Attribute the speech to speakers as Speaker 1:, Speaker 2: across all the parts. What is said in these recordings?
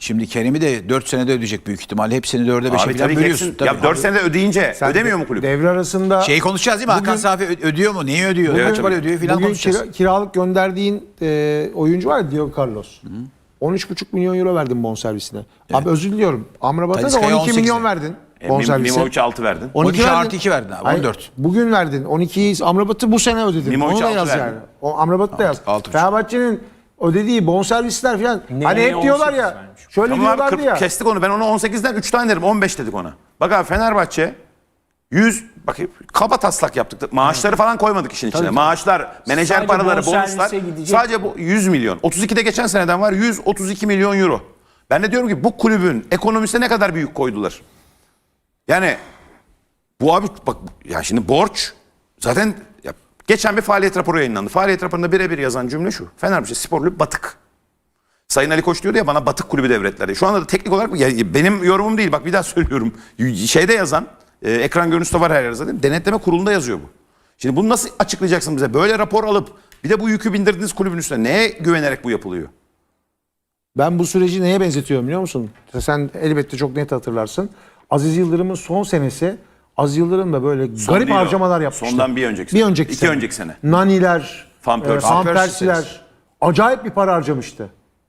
Speaker 1: Şimdi Kerem'i de 4 senede ödeyecek büyük ihtimalle. Hepsini 4'e 5'e
Speaker 2: Abi
Speaker 1: falan
Speaker 2: tabii
Speaker 1: bölüyorsun.
Speaker 2: geçsin. Ya 4 senede ödeyince ödemiyor mu kulüp?
Speaker 3: Devre arasında
Speaker 1: Şeyi konuşacağız değil mi? Hakan Safi ödüyor mu? Neyi ödüyor?
Speaker 2: Evet,
Speaker 1: Kaç para
Speaker 2: tabii.
Speaker 1: ödüyor filan
Speaker 3: bugün
Speaker 1: konuşacağız.
Speaker 3: kiralık gönderdiğin oyuncu var ya, Diego Carlos. 13,5 milyon euro verdin bonservisine. Abi özür diliyorum. Amrabat'a da
Speaker 1: Talisca'ya
Speaker 3: 12 milyon
Speaker 1: 18'e.
Speaker 3: verdin bonservise.
Speaker 2: Mimovic 6 verdin.
Speaker 1: 12 artı 2 verdin abi.
Speaker 3: Hayır,
Speaker 1: 14.
Speaker 3: bugün verdin. 12'yi Amrabat'ı bu sene ödedin.
Speaker 2: Mimovic
Speaker 3: Onu da
Speaker 2: altı
Speaker 3: yaz
Speaker 2: verdin.
Speaker 3: yani. O Amrabat'ı da yaz.
Speaker 1: 6,5.
Speaker 3: Fenerbahçe'nin ödediği bonservisler falan.
Speaker 4: Neye
Speaker 3: Hani hep diyorlar
Speaker 4: 18
Speaker 3: ya.
Speaker 4: vermiş?
Speaker 3: Şöyle
Speaker 2: Tamam abi,
Speaker 3: diyorlardı ya.
Speaker 2: kestik onu. Ben onu 18'den 3 tane derim. 15 dedik ona. Bak abi Fenerbahçe 100 bak kaba taslak yaptık. Maaşları falan koymadık işin içine. Maaşlar, menajer
Speaker 4: Sadece
Speaker 2: paraları,
Speaker 4: bonservise
Speaker 2: bonuslar.
Speaker 4: gidecek.
Speaker 2: Sadece bu 100 milyon. 32'de geçen seneden var 132 milyon euro. Ben de diyorum ki bu kulübün ekonomisine ne kadar büyük koydular. Yani bu abi bak ya şimdi borç zaten ya, geçen bir faaliyet raporu yayınlandı. Faaliyet raporunda birebir yazan cümle şu. Fenerbahçe Spor Kulübü batık. Sayın Ali Koç diyordu ya bana batık kulübü devretler diye. Şu anda da teknik olarak ya benim yorumum değil. Bak bir daha söylüyorum. Şeyde yazan ekran görüntüsü de var her yerde zaten. Denetleme kurulunda yazıyor bu. Şimdi bunu nasıl açıklayacaksın bize? Böyle rapor alıp bir de bu yükü bindirdiğiniz kulübün üstüne neye güvenerek bu yapılıyor?
Speaker 3: Ben bu süreci neye benzetiyorum biliyor musun? Sen elbette çok net hatırlarsın. Aziz Yıldırım'ın son senesi, Aziz Yıldırım da böyle garip
Speaker 2: değil o.
Speaker 3: harcamalar yapmıştı.
Speaker 2: Sondan bir önceki sene.
Speaker 3: Bir önceki
Speaker 2: İki
Speaker 3: sene.
Speaker 2: önceki sene.
Speaker 3: Naniler,
Speaker 2: Van Persie.
Speaker 3: Van
Speaker 1: Van Persie
Speaker 3: Persie'ler. Acayip bir para harcamıştı.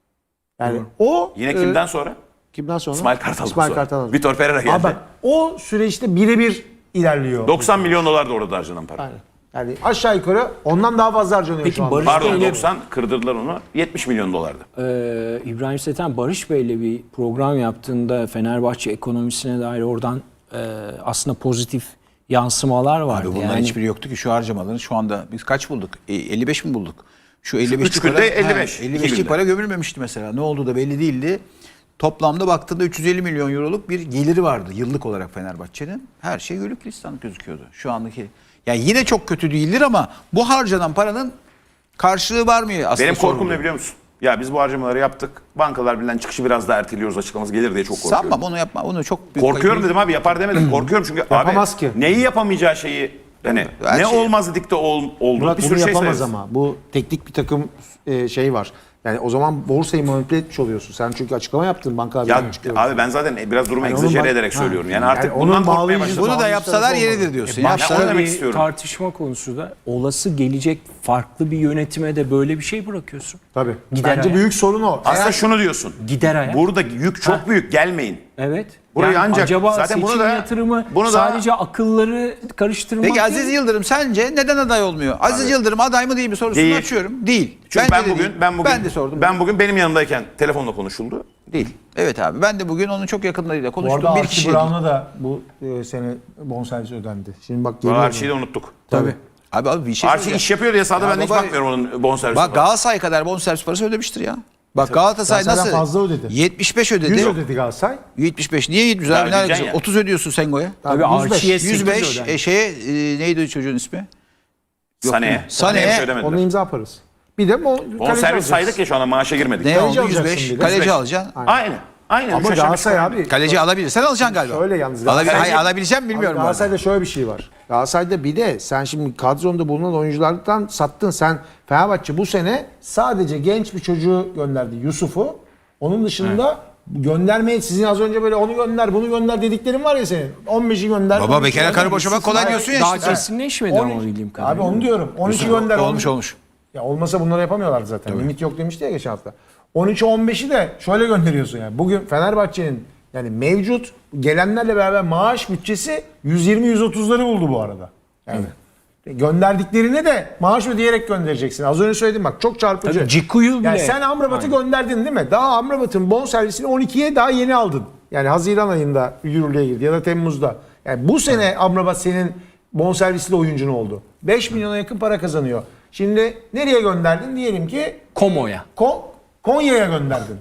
Speaker 3: Yani o...
Speaker 2: Yine kimden sonra?
Speaker 3: Kimden sonra?
Speaker 2: İsmail Kartal'dan
Speaker 3: İsmail
Speaker 2: sonra.
Speaker 3: Kartal'dan sonra.
Speaker 2: Vitor Pereira geldi.
Speaker 3: Abi bak, o süreçte birebir ilerliyor.
Speaker 2: 90 milyon dolar da orada harcanan para.
Speaker 3: Yani, yani aşağı yukarı ondan daha fazla harcanıyor
Speaker 4: Peki
Speaker 3: şu anda.
Speaker 4: Barış
Speaker 2: Pardon
Speaker 4: Bey'le
Speaker 2: 90 kırdırdılar onu 70 milyon dolardı.
Speaker 4: İbrahim Seten Barış Bey'le bir program yaptığında Fenerbahçe ekonomisine dair oradan aslında pozitif yansımalar vardı.
Speaker 1: Abi bunların hiçbiri yoktu ki şu harcamaların şu anda biz kaç bulduk? 55 mi bulduk? Şu 55
Speaker 2: üç günde 55, 2
Speaker 1: 55'lik
Speaker 2: günde.
Speaker 1: para gömülmemişti mesela. Ne oldu da belli değildi. Toplamda baktığında 350 milyon euroluk bir geliri vardı yıllık olarak Fenerbahçe'nin. Her şey gölük gülistanlık gözüküyordu. Şu andaki yani yine çok kötü değildir ama bu harcanan paranın karşılığı var mı aslında?
Speaker 2: Benim korkum
Speaker 1: soruluyor.
Speaker 2: ne biliyor musun? Ya biz bu harcamaları yaptık. Bankalar Birliği'nden çıkışı biraz daha erteliyoruz açıklaması gelir diye çok korkuyorum.
Speaker 1: Sanma onu yapma. Onu çok büyük
Speaker 2: Korkuyorum dedim abi yapar demedim. Korkuyorum çünkü
Speaker 3: Yapamaz
Speaker 2: abi
Speaker 3: ki.
Speaker 2: neyi yapamayacağı şeyi hani
Speaker 1: Her
Speaker 2: ne
Speaker 1: şey-
Speaker 2: olmaz dedik de oldu.
Speaker 3: Murat
Speaker 2: Bir
Speaker 3: bunu
Speaker 2: sürü şey
Speaker 3: yapamaz
Speaker 2: sayarız.
Speaker 3: ama. Bu teknik bir takım şey var. Yani o zaman borsayı manipüle etmiş oluyorsun. Sen çünkü açıklama yaptın bankalar
Speaker 2: Ya
Speaker 3: birliğinden açıklama.
Speaker 2: abi ben zaten biraz durumu
Speaker 3: Yani onun
Speaker 2: egzajere
Speaker 3: bak-
Speaker 2: ederek
Speaker 3: Ha.
Speaker 2: söylüyorum. Yani artık
Speaker 3: Yani onun
Speaker 2: bundan korkmaya
Speaker 3: bağlayıcı-
Speaker 2: başladım.
Speaker 1: Bunu da yapsalar
Speaker 3: Bağımsız
Speaker 1: yeridir
Speaker 3: olmalı.
Speaker 1: diyorsun.
Speaker 2: Ya
Speaker 1: Yapsalar
Speaker 2: onu demek
Speaker 4: bir
Speaker 2: istiyorum.
Speaker 4: tartışma konusu da olası gelecek farklı bir yönetime de böyle bir şey bırakıyorsun.
Speaker 3: Tabii.
Speaker 4: Gider
Speaker 3: Bence
Speaker 4: ayak.
Speaker 3: büyük sorun o.
Speaker 2: Aslında şunu diyorsun.
Speaker 4: Gider ayak.
Speaker 2: Burada yük çok büyük gelmeyin.
Speaker 4: Evet.
Speaker 2: Burayı ancak-
Speaker 4: acaba
Speaker 2: zaten bunu
Speaker 4: seçim
Speaker 2: da-
Speaker 4: yatırımı
Speaker 2: bunu da-
Speaker 4: sadece akılları karıştırmak
Speaker 1: Peki
Speaker 4: değil.
Speaker 1: Aziz Yıldırım sence neden aday olmuyor? Aziz Yıldırım aday mı değil mi sorusunu
Speaker 2: Değil.
Speaker 1: açıyorum. Değil.
Speaker 2: Çünkü
Speaker 1: Bence de değil.
Speaker 2: ben
Speaker 1: de sordum.
Speaker 2: Ben bugün benim yanımdayken telefonla konuşuldu. Değil.
Speaker 1: Evet abi ben de bugün onun çok yakınlarıyla
Speaker 3: Bu arada
Speaker 1: konuştum. Bir
Speaker 3: Archie
Speaker 1: kişi.
Speaker 3: Brown'a da bu sene bonservis ödendi. Şimdi bak
Speaker 2: Bu
Speaker 3: geliyor.
Speaker 2: Archie'yi de unuttuk.
Speaker 3: Tabii.
Speaker 1: Abi bir şey
Speaker 2: Archie
Speaker 1: söyleyeceğim.
Speaker 2: iş yapıyor diye sahada
Speaker 1: Ya
Speaker 2: ben de hiç
Speaker 1: baba-
Speaker 2: bakmıyorum onun bonservisine.
Speaker 1: Bak Galatasaray kadar bonservis parası ödemiştir ya. Bak Galatasaray
Speaker 3: Galatasaray'dan
Speaker 1: nasıl?
Speaker 3: fazla ödedi.
Speaker 1: 75 ödedi.
Speaker 3: 100 ödedi Galatasaray.
Speaker 1: 75 niye 100
Speaker 2: Daha
Speaker 1: abi? Ne
Speaker 2: ödeyeceksin
Speaker 1: alakası?
Speaker 2: ya.
Speaker 1: 30 ödüyorsun Sengo'ya.
Speaker 4: Tabii
Speaker 3: 105.
Speaker 4: Archie'ye 8
Speaker 1: 105
Speaker 4: ödendi.
Speaker 1: neydi o çocuğun ismi?
Speaker 2: Sané'ye.
Speaker 1: Sané'ye.
Speaker 2: bir şey ödemediler.
Speaker 3: Onu imza yaparız. Bir de
Speaker 2: Bonservis saydık ya şu anda maaşa girmedik.
Speaker 1: Ne
Speaker 3: Kaleci
Speaker 1: oldu?
Speaker 3: alacaksın
Speaker 1: 105.
Speaker 3: bir de.
Speaker 1: Kaleci
Speaker 2: 105.
Speaker 1: alacaksın.
Speaker 2: Aynen. Aynen.
Speaker 3: Ama
Speaker 2: Üç aşağı beş
Speaker 3: Galatasaray
Speaker 2: yukarı.
Speaker 3: abi.
Speaker 1: Kaleci alabilir. Sen alacaksın galiba.
Speaker 3: Şöyle yalnız.
Speaker 1: Hayır alabileceğim mi bilmiyorum. bu arada.
Speaker 3: Galatasaray'da şöyle bir şey var. Galatasaray'da bir de sen şimdi kadronda bulunan oyunculardan sattın. Sen Fenerbahçe bu sene sadece genç bir çocuğu gönderdi. Yusuf'u. Onun dışında göndermeyi sizin az önce böyle onu gönder bunu gönder dediklerin var ya senin. 15'i gönder.
Speaker 1: Baba
Speaker 3: 13'ü
Speaker 1: bekara
Speaker 3: gönder,
Speaker 1: karı boşamak kolay
Speaker 3: Hayır,
Speaker 1: diyorsun ya
Speaker 4: Daha
Speaker 1: işte.
Speaker 4: kesinleşmedi ama
Speaker 3: 13
Speaker 4: bildiğim
Speaker 3: Abi
Speaker 4: kadarıyla.
Speaker 3: onu diyorum. 12 gönder.
Speaker 1: Olmuş
Speaker 3: 10
Speaker 1: olmuş.
Speaker 3: Ya olmasa bunları yapamıyorlardı zaten. Limit yok demişti ya geçen hafta. 13'ü 15'i de şöyle gönderiyorsun yani. Bugün Fenerbahçe'nin yani mevcut gelenlerle beraber maaş bütçesi 120-130'ları buldu bu arada. Yani gönderdiklerine de maaş ödeyerek göndereceksin. Az önce söyledim bak çok çarpıcı.
Speaker 4: Tabii Ciku'yu bile.
Speaker 3: Yani sen Amrabat'ı gönderdin değil mi? Daha Amrabat'ın bonservisini 12'ye daha yeni aldın. Yani Haziran ayında yürürlüğe girdi ya da Temmuz'da. Yani bu sene Amrabat senin bonservisli oyuncun oldu. 5 milyona yakın para kazanıyor. Şimdi nereye gönderdin? Diyelim ki
Speaker 4: Komo'ya.
Speaker 3: Konya'ya gönderdin.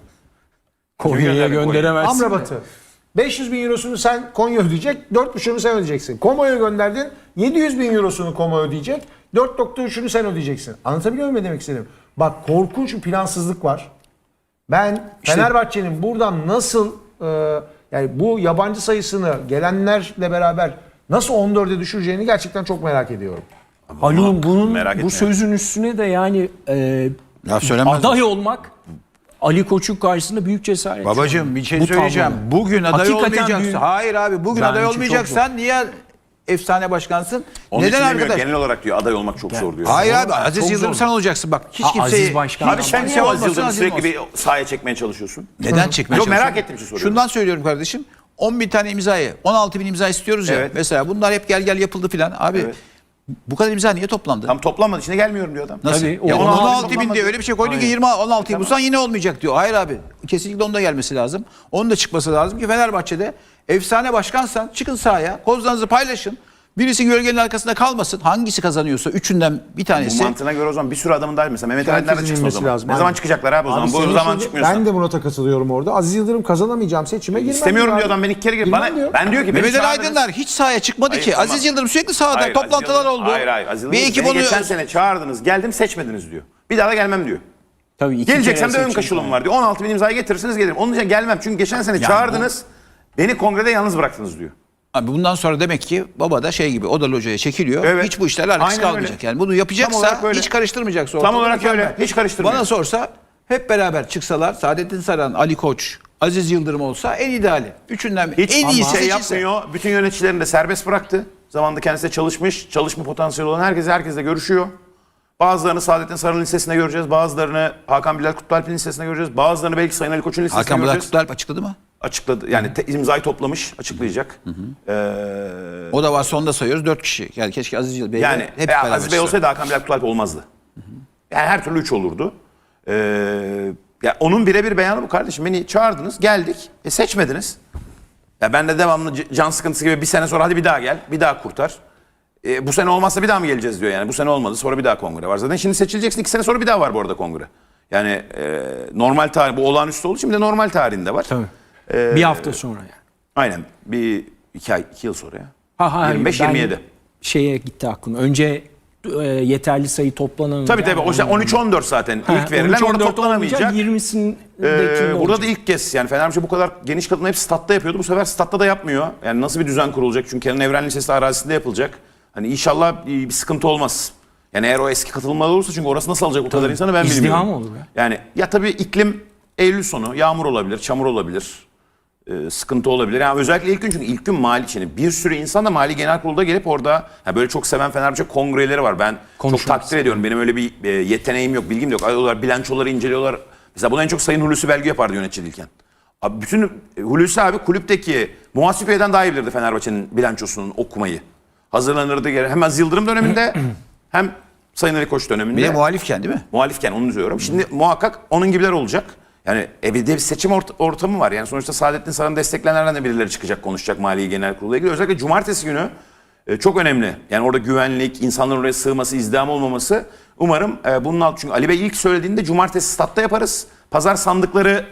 Speaker 4: Konya'ya gönderemezsin.
Speaker 3: Amrabat'ı. 500 bin eurosunu sen Konya ödeyecek, 4,5'unu sen ödeyeceksin. Komo'ya gönderdin, 700 bin eurosunu Komo ödeyecek, 4,3'ünü sen ödeyeceksin. Anlatabiliyor muyum ne demek istedim? Bak korkunç bir plansızlık var. Ben Fenerbahçe'nin buradan nasıl yani bu yabancı sayısını gelenlerle beraber nasıl 14'e düşüreceğini gerçekten çok merak ediyorum.
Speaker 4: Haluk'un bunun
Speaker 2: Merak
Speaker 4: bu
Speaker 2: etme.
Speaker 4: sözün üstüne de yani
Speaker 1: Ya söylemez
Speaker 4: aday olmak Ali Koç'un karşısında büyük cesaret.
Speaker 1: Babacığım bir şey
Speaker 4: Bu
Speaker 1: söyleyeceğim.
Speaker 4: tablo.
Speaker 1: Bugün aday
Speaker 4: Hakikaten
Speaker 1: olmayacaksın.
Speaker 4: büyük.
Speaker 1: Hayır abi bugün
Speaker 4: Bence
Speaker 1: aday
Speaker 4: çok
Speaker 1: olmayacaksan niye efsane başkansın?
Speaker 2: Onun
Speaker 1: Neden
Speaker 2: için demiyor,
Speaker 1: arkadaş?
Speaker 2: genel olarak diyor aday olmak çok zor diyor.
Speaker 1: Hayır abi
Speaker 4: Zor.
Speaker 1: Aziz
Speaker 4: Çok
Speaker 1: Yıldırım
Speaker 4: zor.
Speaker 1: sen olacaksın bak. Hiç
Speaker 4: Ha,
Speaker 1: kimseyi...
Speaker 4: Aziz Başkan.
Speaker 2: Abi sen niye
Speaker 1: Olmasın,
Speaker 2: Aziz Yıldırım'ı
Speaker 1: Aziz
Speaker 2: sürekli
Speaker 1: olsun.
Speaker 2: bir sahaya çekmeye çalışıyorsun?
Speaker 1: Neden çekmeye
Speaker 2: Yok, merak
Speaker 1: çalışıyorsun?
Speaker 2: ettiğim için soruyorum.
Speaker 1: Şundan söylüyorum kardeşim. 10 bin tane imzayı, 16 bin imza istiyoruz ya.
Speaker 2: Evet.
Speaker 1: Mesela bunlar hep gel yapıldı filan. Abi
Speaker 2: Evet.
Speaker 1: bu kadar imza niye toplandı?
Speaker 2: Tam toplanmadı, içine gelmiyorum diyor adam.
Speaker 1: Nasıl?
Speaker 4: Tabii,
Speaker 1: Ya
Speaker 4: o-
Speaker 1: 16 bin
Speaker 2: toplanmadı.
Speaker 1: diye öyle bir şey koydun ki 16'yı bulsan yine olmayacak diyor. Hayır abi. Kesinlikle onun da gelmesi lazım. Onun da çıkması lazım ki Fenerbahçe'de efsane başkansan çıkın sahaya, kozlarınızı paylaşın. Birisi gölgenin arkasında kalmasın. Hangisi kazanıyorsa üçünden bir
Speaker 2: Bu
Speaker 1: tanesi.
Speaker 2: mantığına göre o zaman bir sürü adamın da mesela Mehmet Ali nerede
Speaker 3: Herkesin
Speaker 2: çıksın o
Speaker 3: bilmesi
Speaker 2: zaman?
Speaker 3: lazım.
Speaker 2: Ne zaman çıkacaklar abi o zaman?
Speaker 3: senin
Speaker 2: Bu zaman
Speaker 3: şimdi-
Speaker 2: çıkmıyorsa.
Speaker 3: Ben de Murat'a katılıyorum orada. Aziz Yıldırım kazanamayacağım seçime girmem.
Speaker 2: İstemiyorum
Speaker 3: diyor
Speaker 2: diyor adam,
Speaker 3: abi.
Speaker 2: ben iki kere girdim.
Speaker 3: Girmem
Speaker 2: Bana,
Speaker 3: diyor.
Speaker 2: ben diyor ki beni
Speaker 1: Mehmet Ali
Speaker 2: çağırdınız.
Speaker 1: Aydınlar hiç sahaya çıkmadı
Speaker 2: Hayır,
Speaker 1: ki.
Speaker 2: tamam.
Speaker 1: Aziz Yıldırım sürekli sahada.
Speaker 2: Hayır,
Speaker 1: Toplantılar
Speaker 2: Aziz Yıldırım-
Speaker 1: oldu.
Speaker 2: Hayır. Aziz
Speaker 1: Bir
Speaker 2: Yıldırım,
Speaker 1: ekip
Speaker 2: beni
Speaker 1: onu...
Speaker 2: geçen sene çağırdınız. Geldim, seçmediniz diyor. Bir daha da gelmem diyor.
Speaker 4: Tabii iki
Speaker 2: Geleceksem
Speaker 4: kere
Speaker 2: de ön
Speaker 4: seçim
Speaker 2: kaşılım
Speaker 4: var.
Speaker 2: var diyor. 16 bin imzayı getirirseniz gelirim. Onun için gelmem. Çünkü geçen sene çağırdınız. Beni kongrede yalnız bıraktınız diyor.
Speaker 1: Abi bundan sonra demek ki baba da şey gibi odalı hocaya çekiliyor.
Speaker 2: Evet.
Speaker 1: Hiç bu işlerle alakası
Speaker 2: Aynen
Speaker 1: kalmayacak.
Speaker 2: öyle.
Speaker 1: Yani bunu
Speaker 2: Tam
Speaker 1: yapacaksa
Speaker 2: olarak öyle.
Speaker 1: hiç karıştırmayacaksa.
Speaker 2: Tam
Speaker 1: ortalığı
Speaker 2: olarak öyle.
Speaker 1: mükemmel.
Speaker 2: Hiç karıştırmıyor.
Speaker 1: Bana sorsa hep beraber çıksalar Saadettin Saran, Ali Koç, Aziz Yıldırım olsa en ideali. Üçünden
Speaker 2: Hiç
Speaker 1: en iyisi
Speaker 2: şey
Speaker 1: seçilse.
Speaker 2: yapmıyor. Bütün yöneticilerini de serbest bıraktı. Zamanında kendisi de çalışmış. Çalışma potansiyeli olan herkesle görüşüyor. Bazılarını Saadettin Saran Lisesi'nde göreceğiz. Bazılarını Hakan Bilal Kutlualp'in Lisesi'nde göreceğiz. Bazılarını belki Sayın Ali Koç'un Lisesi'nde
Speaker 1: Hakan Bilal
Speaker 2: göreceğiz.
Speaker 1: Kutlualp açıkladı mı?
Speaker 2: Açıkladı. Yani imzayı toplamış. Açıklayacak.
Speaker 1: O da varsa onu da sayıyoruz 4 kişi. Yani keşke Aziz Yıldırım Bey
Speaker 2: Yani
Speaker 1: hep
Speaker 2: Aziz
Speaker 1: beraber
Speaker 2: Bey
Speaker 1: çıksa.
Speaker 2: olsaydı Hakan Bilal Kutlualp olmazdı. Yani her türlü 3 olurdu. Ya onun birebir beyanı bu kardeşim. Beni çağırdınız, geldik. Seçmediniz. Ya ben de devamlı can sıkıntısı gibi bir sene sonra hadi bir daha gel, bir daha kurtar. Bu sene olmazsa bir daha mı geleceğiz diyor yani. Bu sene olmadı, sonra bir daha kongre var. Zaten şimdi seçileceksin, 2 sene sonra bir daha var bu arada kongre. Yani normal tarih, bu olağanüstü olduğu için bir de normal tarihinde var.
Speaker 4: Tabii. Bir hafta sonra yani.
Speaker 2: Aynen, bir 2 yıl sonra ya.
Speaker 4: Hayır,
Speaker 2: 25-27.
Speaker 4: ben şeye gitti aklım. Önce yeterli sayı toplanamayacak.
Speaker 2: Tabii o işte 13-14 zaten ilk verilen orada toplanamayacak.
Speaker 4: 20'sindeki
Speaker 2: Burada da ilk kez yani Fenerbahçe bu kadar geniş katılımı hep statta yapıyordu. Bu sefer statta da yapmıyor. Yani nasıl bir düzen kurulacak? Çünkü Kenan Evren Lisesi arazisinde yapılacak. Hani inşallah bir sıkıntı olmaz. Yani eğer o eski katılımlar olursa çünkü orası nasıl alacak o kadar insanı ben bilmiyorum.
Speaker 4: İzdiham olur ya.
Speaker 2: Yani ya tabii iklim Eylül sonu yağmur olabilir, çamur olabilir. Sıkıntı olabilir. Yani özellikle ilk gün çünkü ilk gün mali için bir sürü insan da Mali Genel Kurulu'da gelip orada böyle çok seven Fenerbahçe kongreleri var. Ben çok
Speaker 4: Konuşmak
Speaker 2: takdir ediyorum. Benim öyle bir yeteneğim yok, bilgim de yok. Alıyorlar, bilançoları inceliyorlar. Mesela bunu en çok Sayın Hulusi Belgü yapardı yöneticiyken. Abi bütün Hulusi abi kulüpteki muhasebeden daha iyi bilirdi Fenerbahçe'nin bilançosunun okumayı. Hazırlanırdı hem Aziz Yıldırım döneminde hem Sayın Ali Koç döneminde.
Speaker 1: Bir de muhalifken değil mi?
Speaker 2: Muhalifken onu diyorum. Şimdi muhakkak onun gibiler olacak. Yani bir de bir seçim ortamı var. Yani sonuçta Saadettin Saran'ı destekleyenlerden de birileri çıkacak, konuşacak Mali Genel Kurulu'yla ilgili. Özellikle cumartesi günü çok önemli. Yani orada güvenlik, insanların oraya sığması, izdiham olmaması. Umarım bunun altı. Çünkü Ali Bey ilk söylediğinde cumartesi statta yaparız. Pazar sandıkları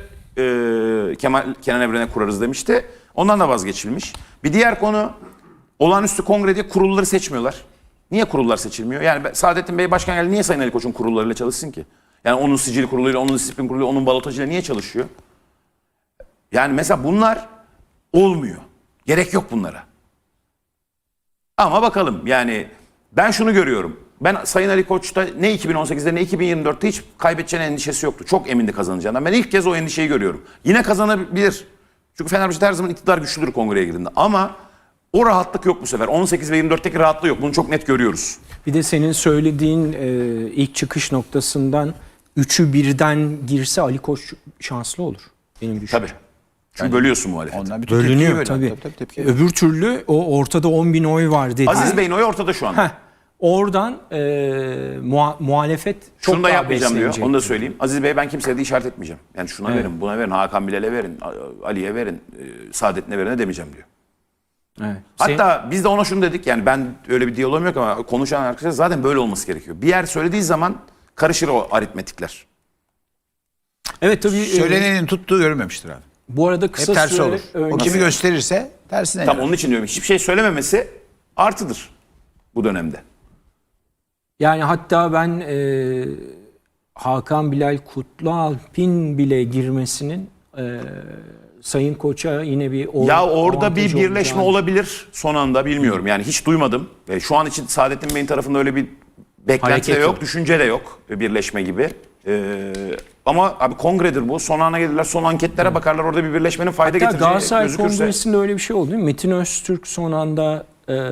Speaker 2: Kenan Evren'e kurarız demişti. Ondan da vazgeçilmiş. Bir diğer konu olağanüstü kongrede kurulları seçmiyorlar. Niye kurullar seçilmiyor? Yani Saadettin Bey başkan geldi, niye Sayın Ali Koç'un kurullarıyla çalışsın ki? Yani onun sicil kuruluyla, onun disiplin kuruluyla, onun balotajıyla niye çalışıyor? Yani mesela bunlar olmuyor. Gerek yok bunlara. Ama bakalım yani ben şunu görüyorum. Ben Sayın Ali Koç'ta ne 2018'de ne 2024'te hiç kaybedeceğine endişesi yoktu. Çok emindi kazanacağından. Ben ilk kez o endişeyi görüyorum. Yine kazanabilir. Çünkü Fenerbahçe her zaman iktidar güçlüdür kongreye girdiğinde. Ama o rahatlık yok bu sefer. 18 ve 24'teki rahatlığı yok. Bunu çok net görüyoruz.
Speaker 4: Bir de senin söylediğin ilk çıkış noktasından 3'ü birden girse Ali Koç şanslı olur. Benim düşüncem.
Speaker 2: Tabii. Çünkü bölüyorsun muhalefeti.
Speaker 1: Onlar bütün tepkiyi
Speaker 4: Bölünüyor
Speaker 1: bölüyor.
Speaker 4: tabii.
Speaker 1: Tepki.
Speaker 4: Öbür türlü o ortada 10 bin oy var dedi.
Speaker 2: Aziz Bey'in oyu ortada şu anda.
Speaker 4: Oradan muhalefet çok
Speaker 2: Şunu da
Speaker 4: daha
Speaker 2: yapmayacağım diyor.
Speaker 4: beslenecek.
Speaker 2: Onu da söyleyeyim. Aziz Bey ben kimseye de işaret etmeyeceğim. Yani şuna verin, buna verin, Hakan Bilal'e verin, Ali'ye verin, Saadet'ine verin demeyeceğim diyor.
Speaker 4: Evet.
Speaker 2: Hatta biz de ona şunu dedik. Yani ben öyle bir diyalogum yok ama konuşan arkadaşlar zaten böyle olması gerekiyor. Bir yer söylediği zaman karışır o aritmetikler.
Speaker 4: Evet tabii.
Speaker 1: Söylenenin tuttuğu görünmemiştir abi.
Speaker 4: Bu arada
Speaker 1: Hep
Speaker 4: kısa
Speaker 1: tersi
Speaker 4: süre
Speaker 1: olur. O
Speaker 4: önce-
Speaker 1: kimi gösterirse tersine.
Speaker 2: Tam
Speaker 1: yarar.
Speaker 2: onun için diyorum. Hiçbir şey söylememesi artıdır bu dönemde.
Speaker 4: Yani hatta ben Hakan Bilal Kutlualp'in bile girmesinin Sayın Koç'a yine bir
Speaker 2: Ya orada bir
Speaker 4: avantajı
Speaker 2: birleşme
Speaker 4: olacağını-
Speaker 2: olabilir son anda bilmiyorum. Yani hiç duymadım. Şu an için Saadettin Bey'in tarafında öyle bir beklenti
Speaker 4: Hareket
Speaker 2: de yok,
Speaker 4: yok.
Speaker 2: düşünce de yok birleşme gibi. Ama abi kongredir bu. Son ana gelirler, son anketlere bakarlar. Orada bir birleşmenin fayda
Speaker 4: Hatta
Speaker 2: getireceği
Speaker 4: Galatasaray
Speaker 2: gözükürse.
Speaker 4: Kongresi'nde öyle bir şey oldu değil mi? Metin Öztürk son anda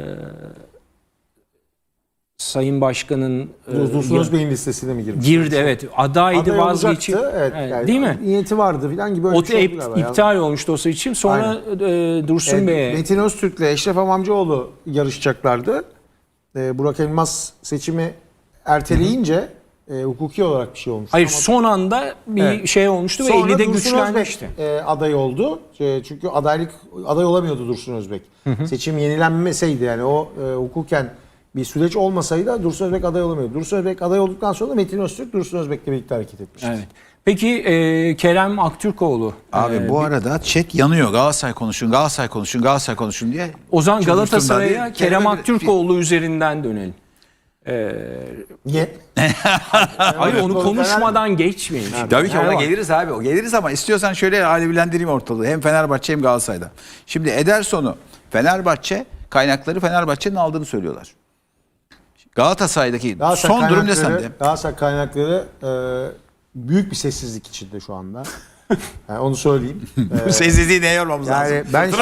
Speaker 4: Sayın Başkan'ın
Speaker 3: Dursun Özbey'in listesine mi girmiş?
Speaker 4: girdi, evet. Adaydı,
Speaker 3: Aday
Speaker 4: vazgeçip.
Speaker 3: olacaktı, evet,
Speaker 4: Evet,
Speaker 3: yani
Speaker 4: değil mi?
Speaker 3: Niyeti vardı falan gibi öyle
Speaker 4: O
Speaker 3: bir şey oldu galiba.
Speaker 4: iptal olmuştu o seçim. Sonra Dursun Bey'e
Speaker 3: Metin Öztürk'le Eşref Amamcıoğlu yarışacaklardı. Burak Elmas seçimi erteleyince hukuki olarak bir şey olmuştu.
Speaker 4: hayır
Speaker 3: Ama
Speaker 4: son anda bir
Speaker 3: Evet.
Speaker 4: şey olmuştu ve
Speaker 3: sonra
Speaker 4: 50'de
Speaker 3: Dursun
Speaker 4: güçlenmişti.
Speaker 3: Özbek aday oldu. Çünkü aday olamıyordu Dursun Özbek. Seçim yenilenmeseydi yani o hukuken bir süreç olmasaydı Dursun Özbek aday olamıyordu. Dursun Özbek aday olduktan sonra da Metin Öztürk Dursun Özbek'le birlikte hareket etmişti.
Speaker 4: Evet. Peki Kerem Aktürkoğlu.
Speaker 1: Abi bu arada chat yanıyor. Galatasaray konuşun, Galatasaray konuşun, Galatasaray konuşun diye.
Speaker 4: O zaman
Speaker 1: Çıldırttım
Speaker 4: Galatasaray'a
Speaker 1: ben.
Speaker 4: Kerem
Speaker 1: Kerem'e-
Speaker 4: Aktürkoğlu üzerinden dönelim.
Speaker 3: Niye?
Speaker 4: Hayır onu
Speaker 3: Fener-
Speaker 4: konuşmadan geçmeyin.
Speaker 1: Tabii ki ona
Speaker 3: Fenerbahçe.
Speaker 1: geliriz abi. O geliriz ama istiyorsan şöyle alevlendireyim ortalığı. Hem Fenerbahçe hem Galatasaray'da. Şimdi Ederson'u Fenerbahçe kaynakları Fenerbahçe'nin aldığını söylüyorlar. Galatasaray'daki son durum ne sende?
Speaker 3: Galatasaray kaynakları büyük bir sessizlik içinde şu anda. Yani onu söyleyeyim.
Speaker 1: Bu sessizliği neye yormamız lazım?
Speaker 3: Yani ben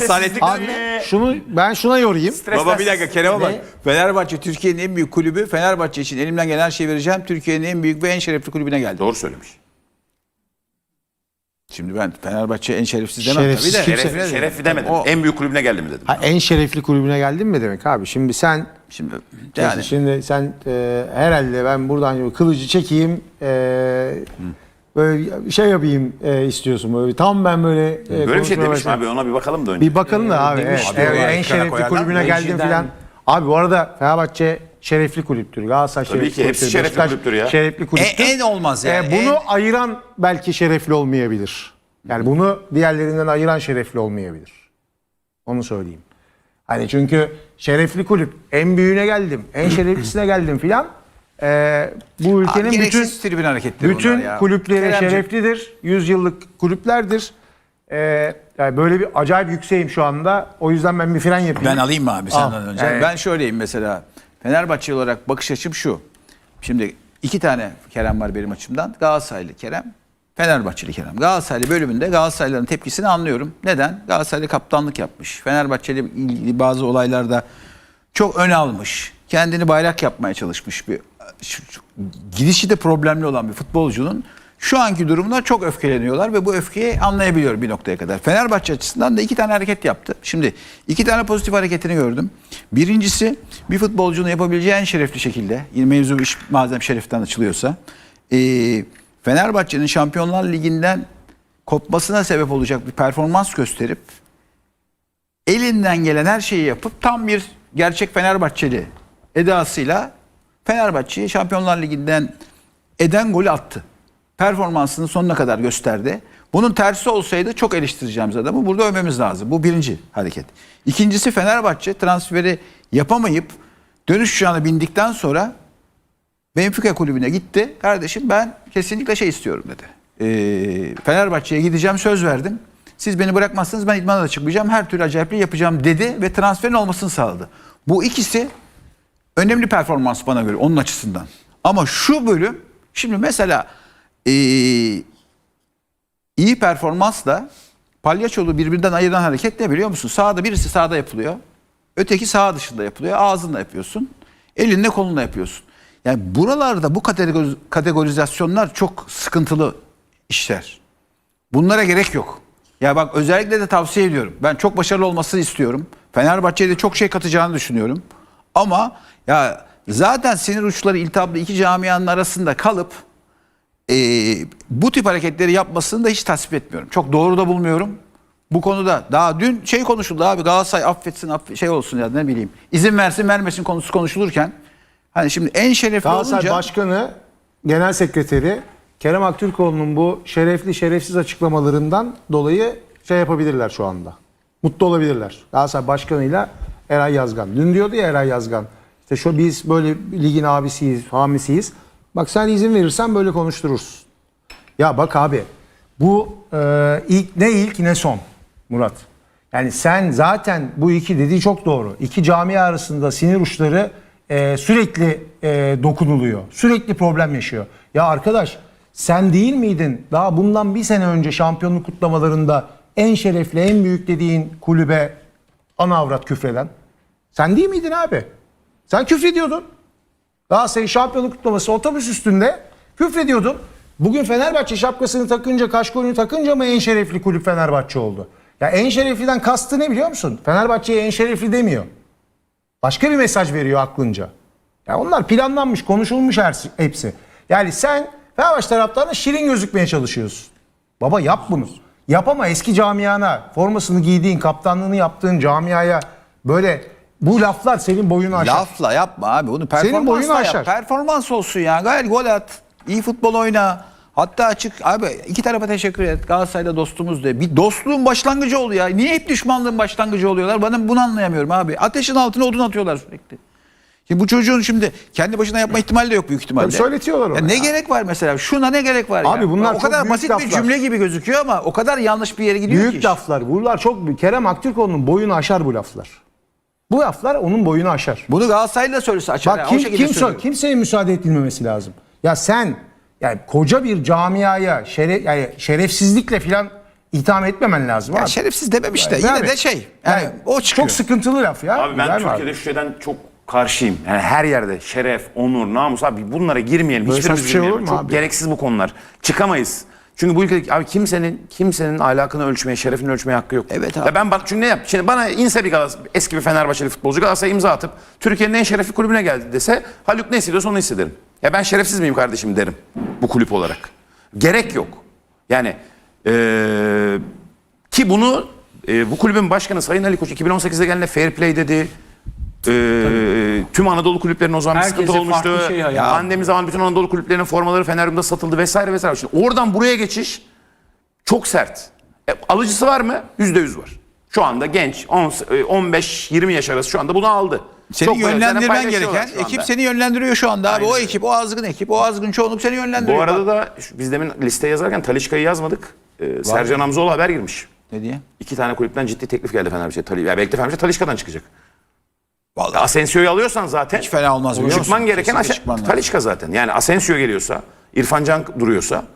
Speaker 3: ben şuna yorayım.
Speaker 1: Baba bir dakika Kerem'e bak.
Speaker 3: Ne?
Speaker 1: Fenerbahçe Türkiye'nin en büyük kulübü. Fenerbahçe için elimden gelen her şeyi vereceğim. Türkiye'nin en büyük ve en şerefli kulübüne geldi.
Speaker 2: Doğru söylemiş.
Speaker 1: Şimdi ben Fenerbahçe en şerefsiz demem
Speaker 3: Şerefsiz
Speaker 1: tabii de.
Speaker 3: kimse-
Speaker 2: Şerefli demedim.
Speaker 1: O-
Speaker 2: En büyük kulübüne geldim dedim.
Speaker 3: Ha, en şerefli kulübüne geldin mi demek abi? Şimdi sen
Speaker 1: Şimdi
Speaker 3: sen herhalde ben buradan kılıcı çekeyim böyle şey yapayım istiyorsun böyle tam ben böyle
Speaker 2: Böyle bir şey
Speaker 3: konuşmaya
Speaker 2: demiş mi
Speaker 3: başlayayım.
Speaker 2: abi? Ona bir bakalım da önce.
Speaker 3: Bir bakın da abi.
Speaker 4: demiş.
Speaker 3: Evet,
Speaker 1: Abi,
Speaker 3: en
Speaker 1: ekrana
Speaker 3: şerefli
Speaker 1: koyarlar.
Speaker 3: kulübüne geldim
Speaker 4: Rejiden-
Speaker 3: filan. Abi bu arada Fenerbahçe şerefli kulüptür. Galatasaray
Speaker 2: Tabii
Speaker 3: şerefli
Speaker 2: ki, hepsi
Speaker 3: kulüptür.
Speaker 2: şerefli
Speaker 3: Beşiktaş
Speaker 2: kulüptür ya.
Speaker 3: şerefli kulüptür.
Speaker 1: en olmaz yani.
Speaker 3: Bunu ayıran belki şerefli olmayabilir. Yani bunu diğerlerinden ayıran şerefli olmayabilir. Onu söyleyeyim. Hani çünkü şerefli kulüp en büyüğüne geldim, en şereflisine geldim filan. Bu ülkenin bütün
Speaker 1: gereksiz tribün hareketleri
Speaker 3: bütün
Speaker 1: bunlar ya.
Speaker 3: kulüpleri
Speaker 1: Keremciğim,
Speaker 3: şereflidir. 100 yıllık kulüplerdir. Yani böyle bir acayip yükseğim şu anda. O yüzden ben bir fren yapayım.
Speaker 1: Ben alayım mı abi senden
Speaker 3: Al.
Speaker 1: önce?
Speaker 3: Yani-
Speaker 1: Ben şöyleyim mesela. Fenerbahçe olarak bakış açım şu. Şimdi 2 tane Kerem var benim açımdan. Galatasaraylı Kerem, Fenerbahçeli Kerem. Galatasaraylı bölümünde Galatasaraylıların tepkisini anlıyorum. Neden? Galatasaraylı kaptanlık yapmış. Fenerbahçeli ilgili bazı olaylarda çok ön almış. Kendini bayrak yapmaya çalışmış bir gidişi de problemli olan bir futbolcunun şu anki durumuna çok öfkeleniyorlar ve bu öfkeyi anlayabiliyorum bir noktaya kadar. Fenerbahçe açısından da 2 tane hareket yaptı. Şimdi 2 tane pozitif hareketini gördüm. Birincisi bir futbolcunun yapabileceği en şerefli şekilde, mevzu iş madem şereften açılıyorsa, Fenerbahçe'nin Şampiyonlar Ligi'nden kopmasına sebep olacak bir performans gösterip elinden gelen her şeyi yapıp tam bir gerçek Fenerbahçeli edasıyla Fenerbahçe'yi Şampiyonlar Ligi'nden eden golü attı. Performansını sonuna kadar gösterdi. Bunun tersi olsaydı çok eleştireceğimiz adamı burada övmemiz lazım. Bu birinci hareket. İkincisi Fenerbahçe transferi yapamayıp dönüş uçağına bindikten sonra Benfica kulübüne gitti. Kardeşim ben kesinlikle şey istiyorum dedi. Fenerbahçe'ye gideceğim söz verdim. Siz beni bırakmazsanız ben idmana da çıkmayacağım. Her türlü acayipliği yapacağım dedi ve transferin olmasını sağladı. Bu ikisi önemli performans bana göre onun açısından. Ama şu bölüm şimdi mesela iyi performansla palyaçolu birbirinden ayıran hareket ne biliyor musun? Sağda birisi sağda yapılıyor. Öteki sağ dışında yapılıyor. Ağzınla yapıyorsun. Elinle kolunla yapıyorsun. Yani buralarda bu kategorizasyonlar çok sıkıntılı işler. Bunlara gerek yok. Ya bak özellikle de tavsiye ediyorum. Ben çok başarılı olmasını istiyorum. Fenerbahçe'ye de çok şey katacağını düşünüyorum. Ama ya zaten sinir uçları iltihaplı iki camianın arasında kalıp bu tip hareketleri yapmasını da hiç tasvip etmiyorum. Çok doğru da bulmuyorum. Bu konuda daha dün şey konuşuldu abi Galatasaray affetsin şey olsun ya ne bileyim izin versin vermesin konusu konuşulurken hani şimdi en şerefli
Speaker 3: Galatasaray
Speaker 1: olunca
Speaker 3: Başkanı, Genel Sekreteri Kerem Aktürkoğlu'nun bu şerefli şerefsiz açıklamalarından dolayı şey yapabilirler şu anda. Mutlu olabilirler. Galatasaray Başkanı'yla Eray Yazgan. Dün diyordu ya Eray Yazgan. İşte şu biz böyle ligin abisiyiz, hamisiyiz. Bak sen izin verirsen böyle konuştururuz. Ya bak abi bu ilk ne son Murat. Yani sen zaten bu iki dediği çok doğru. İki camia arasında sinir uçları sürekli dokunuluyor. Sürekli problem yaşıyor. Ya arkadaş Sen değil miydin daha bundan bir sene önce şampiyonluk kutlamalarında en şerefli, en büyük dediğin kulübe ana avrat küfreden? Sen değil miydin abi? Sen küfrediyordun. Galatasaray'ın şampiyonluk kutlaması otobüs üstünde küfrediyordun. Bugün Fenerbahçe şapkasını takınca, kaşkolunu takınca mı en şerefli kulüp Fenerbahçe oldu? Ya en şerefliden kastı ne biliyor musun? Fenerbahçe'ye en şerefli demiyor. Başka bir mesaj veriyor aklınca. Ya onlar planlanmış, konuşulmuş hepsi. Yani sen Fenerbahçe taraftarına şirin gözükmeye çalışıyorsun. Baba yap bunu. Yap ama eski camiana, formasını giydiğin, kaptanlığını yaptığın camiaya böyle bu laflar senin boyunu aşar.
Speaker 1: Lafla yapma abi. Bunu
Speaker 3: boyunu
Speaker 1: performansla
Speaker 3: aşar.
Speaker 1: yap. Performans olsun ya. Gayet gol at. İyi futbol oyna. Hatta açık abi iki tarafa teşekkür et. Galatasaray'da dostumuz de. Bir dostluğun başlangıcı oluyor ya. Niye hep düşmanlığın başlangıcı oluyorlar? Ben bunu anlayamıyorum abi. Ateşin altına odun atıyorlar sürekli. Şimdi bu çocuğun şimdi kendi başına yapma ihtimali de yok büyük ihtimalle.
Speaker 3: Tabii söyletiyorlar onu
Speaker 1: Ya ne
Speaker 3: ya.
Speaker 1: gerek var mesela? Şuna ne gerek var
Speaker 3: Abi
Speaker 1: ya?
Speaker 3: bunlar
Speaker 1: o
Speaker 3: çok
Speaker 1: kadar
Speaker 3: büyük
Speaker 1: basit
Speaker 3: laflar.
Speaker 1: bir cümle gibi gözüküyor ama o kadar yanlış bir yere gidiyor ki.
Speaker 3: Büyük laflar. Bunlar çok büyük. Kerem Aktürkoğlu'nun boyunu aşar bu laflar. Bu laflar onun boyunu aşar.
Speaker 1: Bunu Galatasaraylı da söylese açar.
Speaker 3: Bak
Speaker 1: ya, o şekilde söylüyor.
Speaker 3: kimseye müsaade edilmemesi lazım. Ya sen yani koca bir camiaya yani şerefsizlikle filan itham etmemen lazım
Speaker 1: Ya
Speaker 3: abi.
Speaker 1: şerefsiz dememiş de
Speaker 3: Abi,
Speaker 1: yine de şey. Yani o çıkıyor.
Speaker 3: Çok sıkıntılı laf ya.
Speaker 2: Abi ben
Speaker 3: Güzel mi
Speaker 2: Türkiye'de şu şeyden çok karşıyım. Yani her yerde şeref, onur, namus abi bunlara girmeyelim.
Speaker 3: Böyle
Speaker 2: Hiçbirimiz
Speaker 3: saçma şey olur
Speaker 2: girmeyelim.
Speaker 3: mu
Speaker 2: Çok
Speaker 3: abi?
Speaker 2: gereksiz bu konular. Çıkamayız. Çünkü bu ülkede abi kimsenin ahlakını ölçmeye, şerefini ölçmeye hakkı yok.
Speaker 1: Evet abi.
Speaker 2: Ya ben bak çünkü ne yap? Şimdi bana inse bir eski bir Fenerbahçeli futbolcu Galatasaray'a imza atıp Türkiye'nin en şerefli kulübüne geldi dese Haluk ne hissediyorsa onu hissederim. Ya ben şerefsiz miyim kardeşim derim bu kulüp olarak. Gerek yok. Yani ki bunu bu kulübün başkanı Sayın Ali Koç 2018'de geldiğinde fair play dedi. Tüm Anadolu kulüplerinin o zaman bir
Speaker 4: Herkese
Speaker 2: sıkıntı olmuştu.
Speaker 4: farklı şey hayal.
Speaker 2: Pandemi zaman bütün Anadolu kulüplerinin formaları Fenerbahçe'de satıldı vesaire vesaire. Şimdi oradan buraya geçiş çok sert. Alıcısı var mı? %100 var. Şu anda genç 15-20 yaş arası şu anda bunu aldı.
Speaker 1: Seni
Speaker 2: Çok böyle
Speaker 1: yönlendirmen
Speaker 2: paylaşıyorlar
Speaker 1: gereken
Speaker 2: şu anda.
Speaker 1: ekip seni yönlendiriyor şu anda abi.
Speaker 2: Aynen
Speaker 1: O
Speaker 2: öyle.
Speaker 1: ekip, o azgın ekip, o azgın çoğunluk seni yönlendiriyor.
Speaker 2: Bu arada da biz demin listeye yazarken Talisca'yı yazmadık. Sercan Hamzoğlu haber girmiş.
Speaker 1: Ne diye?
Speaker 2: 2 tane kulüpten ciddi teklif geldi Fenerbahçe'ye. Ya belki de Fenerbahçe Talisca'dan çıkacak.
Speaker 1: Vallahi
Speaker 2: Asensio'yu alıyorsan zaten
Speaker 1: hiç fena olmaz biliyor musun?
Speaker 2: çıkman gereken
Speaker 1: Kesinlikle çıkman lazım.
Speaker 2: Talisca zaten. Yani Asensio geliyorsa, İrfan Can duruyorsa,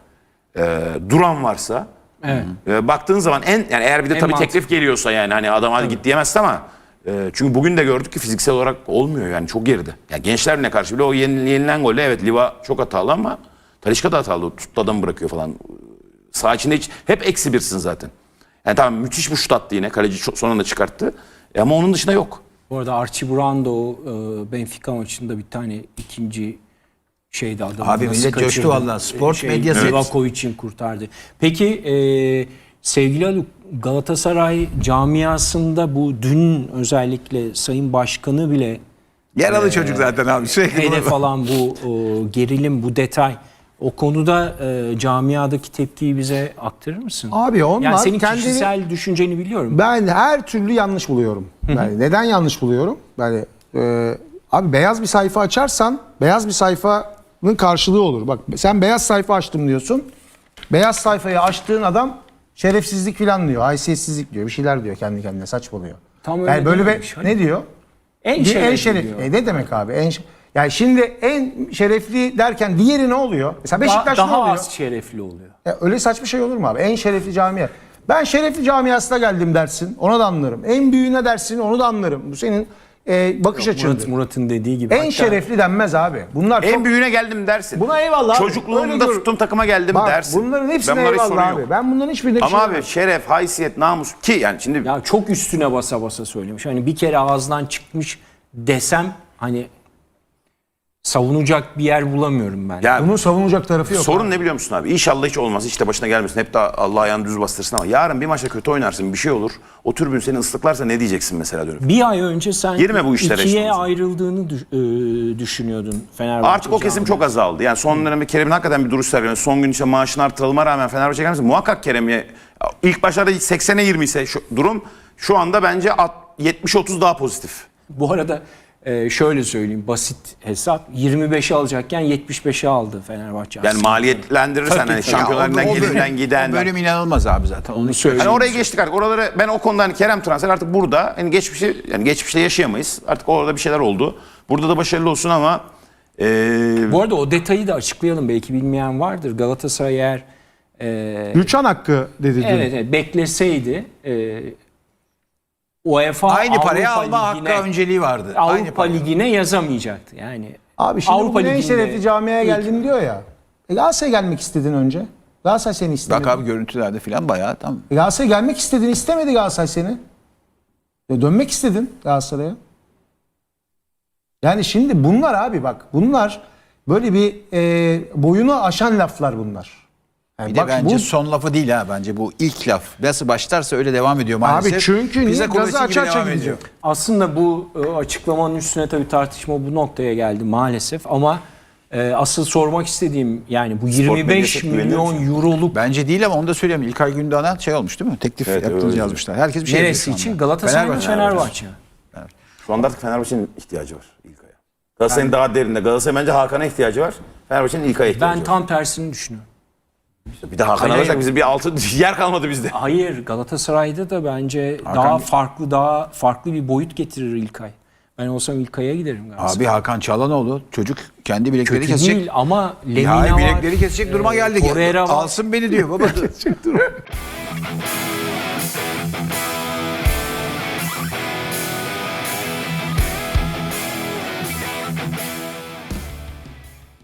Speaker 2: Duran varsa
Speaker 4: Evet.
Speaker 2: baktığın zaman yani eğer bir de
Speaker 4: En
Speaker 2: tabii
Speaker 4: mantıklı.
Speaker 2: teklif geliyorsa yani hani adam hadi git diyemezsin ama çünkü bugün de gördük ki fiziksel olarak olmuyor yani çok geride. Yani Gençler Birliği'ne karşı bile o yenilen golle evet Liva çok hatalı ama Talisca da hatalı. Tuttu adamı bırakıyor falan. Sağ içinde hep eksi birsin zaten. Yani tamam müthiş bir şut attı yine. Kaleci son anda çıkarttı. Ama onun dışında yok.
Speaker 4: Bu arada Archie Brown da o Benfica maçında bir tane ikinci şeydi adamı.
Speaker 1: Abi
Speaker 4: nasıl
Speaker 1: millet coştu
Speaker 4: kaçırdı?
Speaker 1: vallahi. Spor medyası-
Speaker 4: Livakovic'in kurtardı. Peki sevgili Haluk, Galatasaray camiasında bu dün özellikle Sayın Başkanı bile
Speaker 1: Yaralı çocuk zaten abi. Sürekli
Speaker 4: hedef
Speaker 1: bunu-
Speaker 4: alan bu gerilim, bu detay. O konuda camiadaki tepkiyi bize aktarır mısın?
Speaker 3: Abi onlar
Speaker 4: yani senin
Speaker 3: kendini-
Speaker 4: kişisel düşünceni biliyorum.
Speaker 3: Ben her türlü yanlış buluyorum. Yani neden yanlış buluyorum? Yani abi beyaz bir sayfa açarsan beyaz bir sayfanın karşılığı olur. Bak sen beyaz sayfa açtım diyorsun. Beyaz sayfayı açtığın adam şerefsizlik falan diyor. Haysiyetsizlik diyor. Bir şeyler diyor kendi kendine saçmalıyor.
Speaker 4: Tam öyle
Speaker 3: yani böyle
Speaker 4: değilmiş.
Speaker 3: bir ne diyor?
Speaker 4: En
Speaker 3: En
Speaker 4: şerefli
Speaker 3: şeref.
Speaker 4: diyor.
Speaker 3: Ne demek abi? Yani şimdi en şerefli derken diğeri ne oluyor? Mesela Beşiktaş ne
Speaker 4: daha
Speaker 3: oluyor?
Speaker 4: az şerefli oluyor.
Speaker 3: Ya öyle saçma şey olur mu abi? En şerefli camia. Ben şerefli camiasına geldim dersin. Ona da anlarım. En büyüğüne dersin. Onu da anlarım. Bu senin bakış açın.
Speaker 4: Murat'ın dediği gibi.
Speaker 3: En
Speaker 4: Hatta
Speaker 3: şerefli denmez abi. Bunlar
Speaker 2: En
Speaker 3: çok...
Speaker 2: büyüğüne geldim dersin.
Speaker 3: Buna eyvallah abi. Öyle
Speaker 2: Çocukluğumda
Speaker 3: gör-
Speaker 2: tuttuğum takıma geldim
Speaker 3: Bak,
Speaker 2: dersin.
Speaker 3: bunların hepsine
Speaker 2: Ben bunlara hiç
Speaker 3: eyvallah
Speaker 2: sorun
Speaker 3: abi.
Speaker 2: yok.
Speaker 3: Ben bunların hiçbirine bir
Speaker 2: Ama
Speaker 3: şey
Speaker 2: abi
Speaker 3: demem.
Speaker 2: şeref, haysiyet, namus ki yani şimdi
Speaker 4: ya çok üstüne basa basa söylemiş. Hani bir kere ağızdan çıkmış desem hani savunacak bir yer bulamıyorum ben.
Speaker 2: ya
Speaker 3: Bunun savunacak tarafı yok.
Speaker 2: sorun
Speaker 3: abi.
Speaker 2: ne biliyor musun abi? İnşallah hiç olmaz. Hiç de başına gelmesin. Hep de Allah ayağını düz bastırsın ama yarın bir maçta kötü oynarsın bir şey olur. O tribün seni ıslıklarsa ne diyeceksin mesela dönüp?
Speaker 4: Bir ay önce sen
Speaker 2: Girme bu işlere
Speaker 4: ikiye
Speaker 2: işte.
Speaker 4: ayrıldığını düşünüyordun Fenerbahçe.
Speaker 2: Artık o kesim çok azaldı. Yani son dönemde Kerem'in hakikaten bir duruş sergiledi. Son gün işte maaşını artırılmama rağmen Fenerbahçe gelmesin. Muhakkak Kerem'e ilk başlarda 80'e 20 ise durum şu anda bence 70-30 daha pozitif.
Speaker 4: Bu arada şöyle söyleyeyim basit hesap 25'e alacakken 75'e aldı Fenerbahçe.
Speaker 2: Yani
Speaker 4: aslında.
Speaker 2: maliyetlendirirsen
Speaker 4: Tabii,
Speaker 2: hani
Speaker 4: tabii.
Speaker 2: Şampiyonlar Ligi'nden
Speaker 1: O bölüm-
Speaker 2: gelinden giden.
Speaker 1: O bölüm inanılmaz abi zaten. Onu
Speaker 4: Onu
Speaker 2: Hani
Speaker 4: söyleyeyim.
Speaker 2: oraya geçtik artık. Oraları ben o konuda hani Kerem transfer artık burada hani geçmişte yaşayamayız. Artık orada bir şeyler oldu. Burada da başarılı olsun ama
Speaker 4: Bu arada o detayı da açıklayalım. Belki bilmeyen vardır. Galatasaray eğer
Speaker 3: Rüçhan hakkı dedi dün.
Speaker 4: evet, bekleseydi UEFA
Speaker 1: Aynı paraya
Speaker 4: Avrupa
Speaker 1: alma
Speaker 4: Ligi'ne-
Speaker 1: hakkı önceliği vardı. Aynı
Speaker 4: Avrupa
Speaker 1: paraya.
Speaker 4: Ligi'ne yazamayacaktı. Yani
Speaker 3: Abi şimdi
Speaker 4: Avrupa
Speaker 3: bu ne
Speaker 4: Ligi'nde
Speaker 3: işereti camiaya geldim diyor ya. Galatasaray'a gelmek istedin önce. Galatasaray seni istemedi.
Speaker 1: Bak abi görüntülerde falan bayağı tam.
Speaker 3: Galatasaray'a gelmek istedin, istemedi Galatasaray seni. Dönmek istedin Galatasaray'a. Yani şimdi bunlar abi bak bunlar böyle bir boyunu aşan laflar bunlar. Yani
Speaker 1: Bir de
Speaker 3: bak
Speaker 1: bence
Speaker 3: bu,
Speaker 1: son lafı değil ha bence bu ilk laf. Nasıl başlarsa öyle devam ediyor maalesef.
Speaker 3: abi çünkü niye
Speaker 1: Bize
Speaker 3: gazı
Speaker 1: kuvveti gibi
Speaker 3: açığa
Speaker 1: devam
Speaker 3: çekecek.
Speaker 1: ediyor.
Speaker 4: aslında bu açıklamanın üstüne tabii tartışma bu noktaya geldi maalesef ama asıl sormak istediğim yani bu 25
Speaker 2: medyası güveniyor
Speaker 4: milyon
Speaker 2: musun?
Speaker 4: euroluk
Speaker 1: Bence değil ama onu da söyleyeyim. İlkay Gündoğan'a şey olmuş değil mi? Teklif
Speaker 2: Evet,
Speaker 1: yaptığınızı
Speaker 2: öyle.
Speaker 1: yazmışlar. Herkes bir şey
Speaker 4: neresi
Speaker 1: yazıyor şu
Speaker 4: için?
Speaker 1: anda.
Speaker 4: Galatasaray mı Fenerbahçe mi?
Speaker 2: Şu anda artık Fenerbahçe'nin ihtiyacı var İlkay'a. Galatasaray'ın daha derinde. Galatasaray bence Hakan'a ihtiyacı var. Fenerbahçe'nin İlkay'a ihtiyacı
Speaker 4: Ben
Speaker 2: var.
Speaker 4: tam tersini düşünüyorum.
Speaker 2: Bir de Hakan
Speaker 4: Hayır.
Speaker 2: alırsak bizim bir altı yer kalmadı bizde.
Speaker 4: Hayır, Galatasaray'da da bence daha farklı bir boyut getirir İlkay. Ben olsam İlkay'a giderim Galatasaray.
Speaker 1: Abi Hakan Çalhanoğlu çocuk kendi bilekleri
Speaker 4: Kötü
Speaker 1: kesecek.
Speaker 4: değil ama Lemina
Speaker 1: Ya
Speaker 4: var.
Speaker 1: bilekleri kesecek duruma geldik.
Speaker 4: Torreira var.
Speaker 1: Alsın beni diyor baba.